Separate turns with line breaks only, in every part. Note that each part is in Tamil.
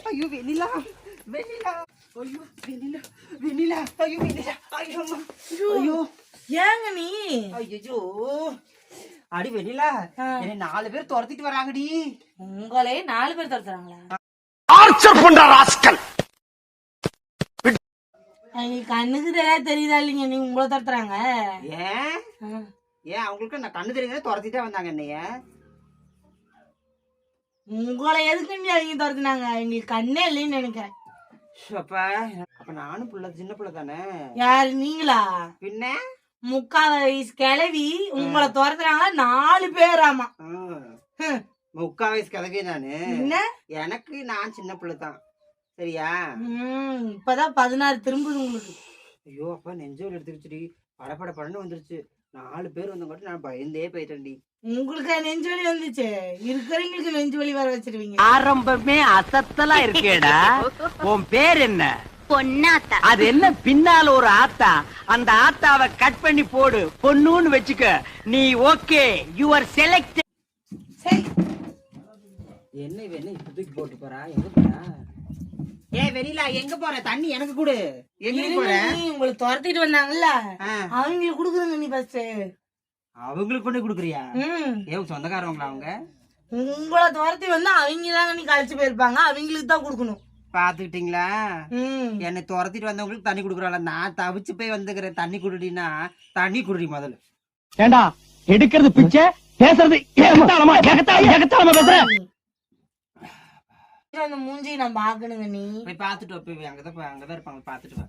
ஐயோ வெண்ணிலா வெண்ணிலா ஐயோ வெண்ணிலா வெண்ணிலா ஐயோ வெண்ணிலா ஐயோ ஐயோ
ஏங்க நீ
ஐயோ அடி வெண்ணிலா என்னை 4 பேர் துரத்திட்டு வராங்கடி.
உங்களே 4 பேர் துரத்துறாங்களா?
ஆர்ச்சர் பண்ற ராஸ்கல்.
கண்ணுக்கு தெரியுதா இல்லைங்க நீ உங்களை துரத்துறாங்க?
ஏன் ஏன் அவங்களுக்கு நான் கண்ணு தெரியுங்க துரத்திட்டே வந்தாங்க என்னைய.
உங்களை எதுக்கு அவங்க துரத்துனாங்க? எங்களுக்கு கண்ணே இல்லைன்னு நினைக்கிறேன்.
அப்ப நானும் புள்ள சின்ன புள்ள தானே.
யாரு நீங்களா?
பின்ன
3/4 வயசு கிளவி உங்களை துரத்துறாங்க 4 பேராமா.
3/4 வயசு கிளவி நானு.
என்ன
எனக்கு நான் சின்ன புள்ள தான் சரியா.
இப்பதான் 16 திரும்புது உங்களுக்கு.
ஐயோ அப்பா நெஞ்சோல் எடுத்துருச்சுடி. படப்பட படன்னு வந்துருச்சு. 4 பேர் வந்தங்காட்டி நான் பயந்தே போயிட்டேன்டி.
உங்களுக்கு நெஞ்சு வலி வந்துச்சு, இருக்கிறவங்களுக்கு நெஞ்சு வலி வர வச்சிருவீங்க.
ஆரம்பமே அசத்தலா இருக்கேடா. உன் பேர் என்ன?
பொன்னாத்தா.
அது என்ன பின்னால ஒரு ஆத்தா? அந்த ஆத்தாவை கட் பண்ணி போடு, பொண்ணுன்னு வச்சுக்க. நீ ஓகே, யூ ஆர் செலக்ட்.
சரி
என்ன வேணும் இப்ப தூக்கி போட்டு போறா? எங்க போறா? வெண்ணிலா எங்க போற? தண்ணி எனக்கு கொடு. எங்க போற?
உங்களை துரத்திட்டு வந்தாங்கல்ல அவங்களுக்கு குடுக்குறங்க. நீ ஃபர்ஸ்ட்
அவங்களுக்கு கொண்டு குடுக்குறியா? சொந்தக்காரவங்களா அவங்க?
உங்களை துரத்தி வந்தா அவங்க தாங்க நீ கழிச்சு போயிருப்பாங்க, அவங்களுக்கு தான் குடுக்கணும்.
பாத்துக்கிட்டீங்களா? என்னை துரத்திட்டு வந்தவங்களுக்கு தண்ணி குடுக்குறாள். நான் தவிச்சு போய் வந்துக்கிறேன். தண்ணி குடுடினா தண்ணி குடுடி முதல்ல.
ஏண்டா எடுக்கிறது பிச்சை, பேசுறது ஏகத்தாளமா பேசுற.
அந்த மூஞ்சி நான் பாக்கணுங்க. நீ
போய் பாத்துட்டு வா. போய் அங்கதான் இருப்பாங்க. பாத்துட்டு வா.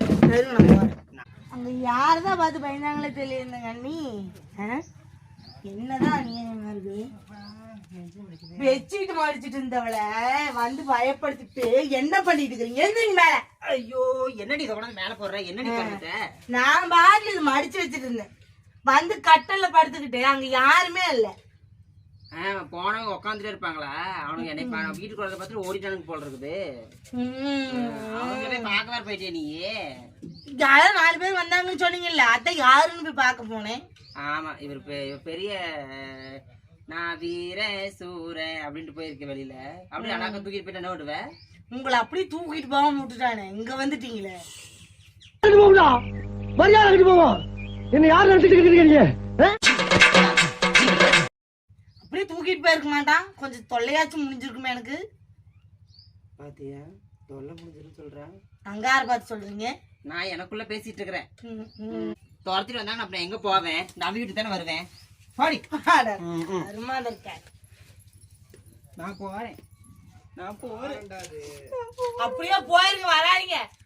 அங்க யாரதான் பார்த்து பயந்தாங்களே தெரியலங்க. நீ என்னதான் நீ இருக்கு பெட்ஷீட் மடிச்சிட்டு இருந்தவளை வந்து பயப்படுத்திட்டு என்ன பண்ணிட்டு இருக்கீங்க? எந்திரிங்க மேல.
ஐயோ என்னடி தொடர்ந்து மேல போடுற? என்னடி பண்ணிட்ட?
நான் பாட்டுல இது மடிச்சு வச்சுட்டு இருந்தேன். வந்து கட்டல்ல படுத்துக்கிட்டு அங்க யாருமே இல்ல.
போனவங்க உட்காந்துட்டே இருப்பாங்களா? அவனுக்கு என்னை வீட்டுக்கு வரத பார்த்துட்டு ஓடிட்டானுங்க போல இருக்குது. அவங்களே பார்க்க வேற போயிட்டே நீ.
யாரும் 4 பேர் வந்தாங்கன்னு சொன்னீங்கல்ல, அதான் யாருன்னு போய் பார்க்க போனேன்.
ஆமா இவர் பெரிய நான் வீர சூர அப்படின்ட்டு போயிருக்கேன் வெளியில. அப்படி அழகா தூக்கிட்டு போயிட்டு என்ன விடுவேன்?
உங்களை அப்படியே தூக்கிட்டு போகாம விட்டுட்டானே. இங்க வந்துட்டீங்களே.
என்ன யாரு நினைச்சிட்டு
அப்படியே தூக்கிட்டு போயிருக்க மாட்டான். கொஞ்சம் தொல்லையாச்சும் முடிஞ்சிருக்குமே எனக்கு.
பாத்தியா தொல்லை முடிஞ்சிருன்னு சொல்றேன்.
அங்க யார பார்த்து சொல்றீங்க?
நான் எனக்குள்ள பேசிட்டு இருக்கிறேன். துரத்திட்டு வந்தாங்க அப்புறம் எங்க போவேன்? நம்பி வீட்டு தானே வருவேன். நான் போறேன்.
அப்படியே போயிருங்க, வராதீங்க.